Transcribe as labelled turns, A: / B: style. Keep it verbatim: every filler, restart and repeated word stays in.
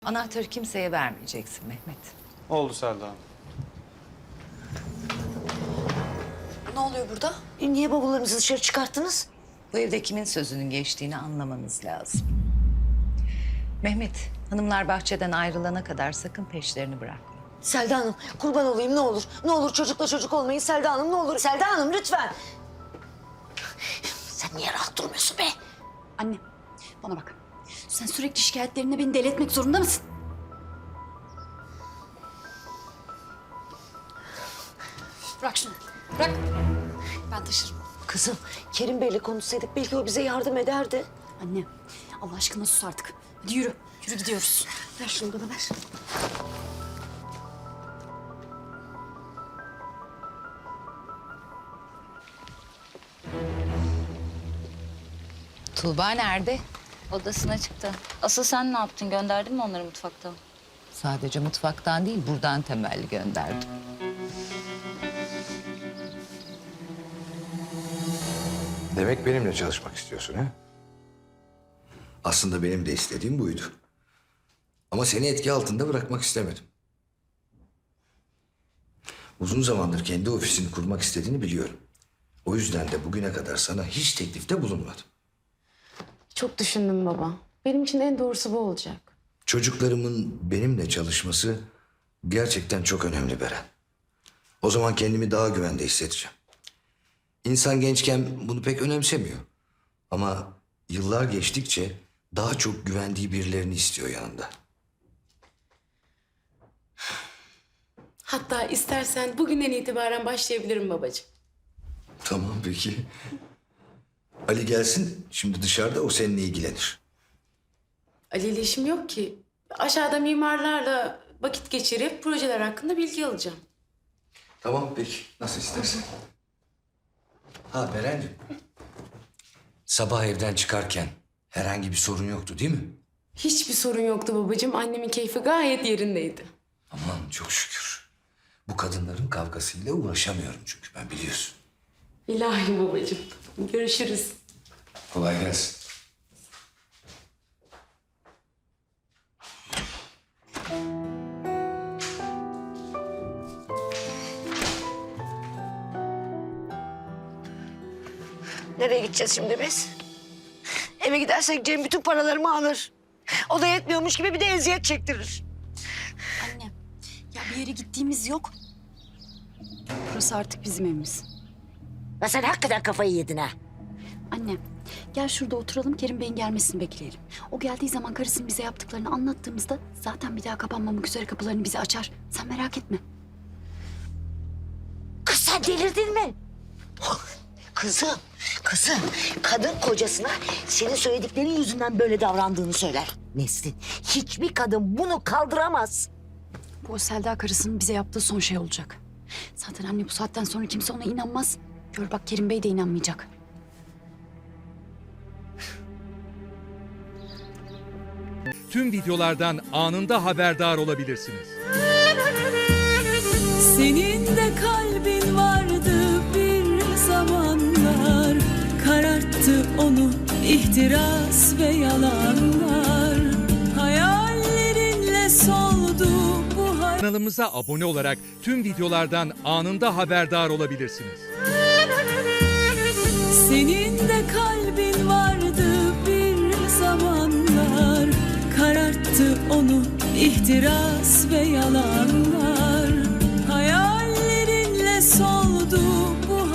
A: Anahtarı kimseye vermeyeceksin Mehmet.
B: Oldu Selda Hanım.
C: Ne oluyor burada?
D: E, niye bavullarınızı dışarı çıkarttınız?
A: Bu evde kimin sözünün geçtiğini anlamanız lazım. Mehmet, hanımlar bahçeden ayrılana kadar sakın peşlerini bırakma.
D: Selda Hanım, kurban olayım ne olur. Ne olur çocukla çocuk olmayın Selda Hanım, ne olur. Selda Hanım lütfen. Sen niye rahat durmuyorsun be?
C: Anne, bana bak. Sen sürekli şikayetlerinle beni deli etmek zorunda mısın? Bırak şunu, bırak. Ben taşırım.
D: Kızım, Kerim Bey'le konuşsaydık belki o bize yardım ederdi.
C: Anne, Allah aşkına sus artık. Hadi yürü, yürü gidiyoruz.
D: Ver şunu bana ver.
A: Tuğba nerede?
E: Odasına çıktı. Asıl sen ne yaptın? Gönderdin mi onları mutfakta?
A: Sadece mutfaktan değil, buradan temelli gönderdim.
F: Demek benimle çalışmak istiyorsun ha? Aslında benim de istediğim buydu. Ama seni etki altında bırakmak istemedim. Uzun zamandır kendi ofisini kurmak istediğini biliyorum. O yüzden de bugüne kadar sana hiç teklifte bulunmadım.
G: Çok düşündüm baba. Benim için en doğrusu bu olacak.
F: Çocuklarımın benimle çalışması gerçekten çok önemli Beren. O zaman kendimi daha güvende hissedeceğim. İnsan gençken bunu pek önemsemiyor. Ama yıllar geçtikçe daha çok güvendiği birilerini istiyor yanında.
G: Hatta istersen bugünden itibaren başlayabilirim babacığım.
F: Tamam peki. Ali gelsin. Şimdi dışarıda o seninle ilgilenir.
G: Ali ile işim yok ki. Aşağıda mimarlarla vakit geçirip projeler hakkında bilgi alacağım.
F: Tamam peki. Nasıl istersen. Ha Berenciğim. Sabah evden çıkarken herhangi bir sorun yoktu değil mi?
G: Hiçbir sorun yoktu babacığım. Annemin keyfi gayet yerindeydi.
F: Aman çok şükür. Bu kadınların kavgasıyla uğraşamıyorum çünkü ben biliyorsun.
G: İlahi babacığım. Görüşürüz.
F: Kolay gelsin.
D: Nereye gideceğiz şimdi biz? Eve gidersek Cem bütün paralarımı alır. O da yetmiyormuş gibi bir de eziyet çektirir.
C: Anne, ya bir yere gittiğimiz yok. Burası artık bizim evimiz.
D: Ya sen hakikaten kafayı yedin ha.
C: Anne, gel şurada oturalım, Kerim Bey'in gelmesini bekleyelim. O geldiği zaman karısının bize yaptıklarını anlattığımızda zaten bir daha kapanmamak üzere kapılarını bize açar. Sen merak etme.
D: Kız sen delirdin mi? Kızım, kızım. Kadın kocasına senin söylediklerin yüzünden böyle davrandığını söyler. Nesrin, hiçbir kadın bunu kaldıramaz.
C: Bu o Selda karısının bize yaptığı son şey olacak. Zaten anne bu saatten sonra kimse ona inanmaz. Gör bak Kerim Bey de inanmayacak.
H: Tüm videolardan anında haberdar olabilirsiniz.
I: Senin de kalbin vardı bir zamanlar, kararttı onu ihtiras ve yalanlar. Hayallerinle soldu bu hayat.
H: Kanalımıza abone olarak tüm videolardan anında haberdar olabilirsiniz.
I: Senin de kalbin vardı bir zamanlar, kararttı onu ihtiras ve yalanlar. Hayallerinle sol